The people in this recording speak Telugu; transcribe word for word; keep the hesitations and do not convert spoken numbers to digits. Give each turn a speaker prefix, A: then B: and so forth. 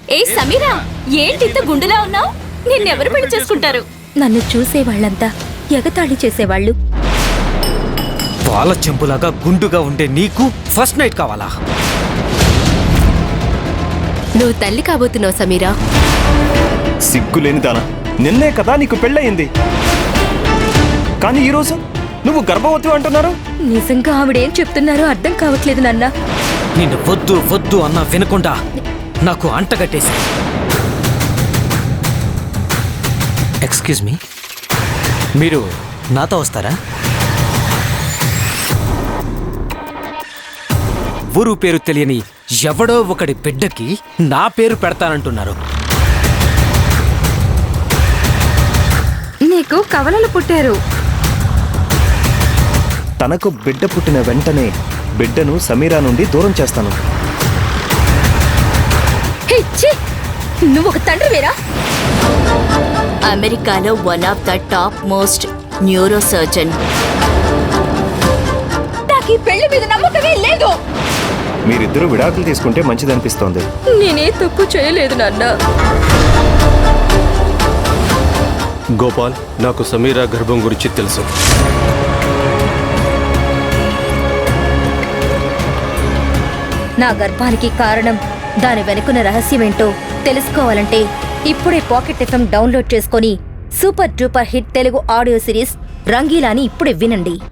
A: ఏ సమీరా, ఏంటింత గుండులా ఉన్నావు? నిన్నెవరు పెళ్లి చేసుకుంటారు?
B: నన్ను చూసే వాళ్ళంతా ఎగతాళి చేసేవాళ్ళు.
C: పాల చెంపులాగా గుండుగా ఉండే నీకు ఫస్ట్ నైట్ కావాలా?
B: నువ్వు తల్లి కాబోతున్నావు సమీరా.
D: సిగ్గులేని దానా, నిన్నే కదా నీకు పెళ్ళయింది, కానీ ఈరోజు నువ్వు గర్భవతి అంటున్నారు.
B: నిజంగా ఆవిడేం చెప్తున్నారో అర్థం కావట్లేదు నాన్న.
C: నిన్ను వద్దు వద్దు అన్నా వినకుండా నాకు అంటగట్టేసి. ఎక్స్క్యూజ్ మీ, మీరు నాతో వస్తారా? ఊరు పేరు తెలియని ఎవడో ఒకడి బిడ్డకి నా పేరు పెడతానంటున్నారు.
B: నీకు కవలలు పుట్టారు.
D: తనకు బిడ్డ పుట్టిన వెంటనే బిడ్డను సమీరా నుండి దూరం చేస్తాను.
B: నువ్వు ఒక తండ్రి వేరా?
A: అమెరికాలో one of the top most neuro surgeon.
B: నాకు ఈ పెళ్లి మీద నమ్మకమే లేదు.
D: మీరిద్దరూ విడాకులు తీసుకుంటే మంచిదనిపిస్తోంది.
B: నేనే తప్పు చేయలేదు నాన్న.
E: గోపాల్, నాకు సమీరా గర్భం గురించి తెలుసు.
B: నా గర్భానికి కారణం, దాని వెనుకున్న రహస్యమేంటో తెలుసుకోవాలంటే ఇప్పుడే పాకెట్ ఎఫ్ఎం డౌన్లోడ్ చేసుకొని super duper hit Telugu audio series రంగీలాని ఇప్పుడే వినండి.